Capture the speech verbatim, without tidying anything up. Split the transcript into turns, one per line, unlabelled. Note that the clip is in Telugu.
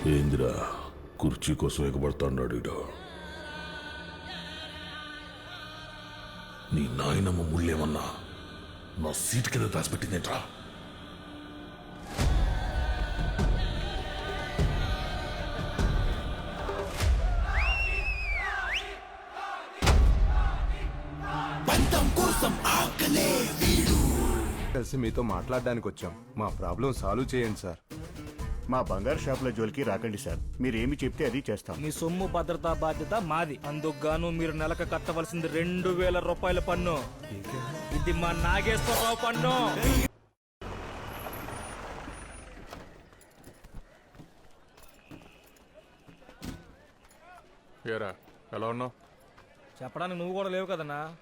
ఏందిరా కుర్చీ కోసం ఎగబడతాడు ఇడు. నీ నాయనమ్మ ముళ్ళేమన్నా నా సీట్ కింద దాచిపెట్టిందేంట్రా?
కలిసి మీతో మాట్లాడడానికి వచ్చాం. మా ప్రాబ్లం సాల్వ్ చేయండి సార్.
మా బంగారు షాపుల జోలికి రాకండి సార్. మీరేమి చెప్తే అది చేస్తాం.
మీ సొమ్ము భద్రతా బాధ్యత మాది. అందుకుగాను మీరు నెలకు కట్టవలసింది రెండు వేల రూపాయల పన్ను. ఇది మా నాగేశ్వరరావు పన్ను.
ఏరా ఎలా ఉన్నావు?
చెప్పడానికి నువ్వు కూడా లేవు కదన్నా.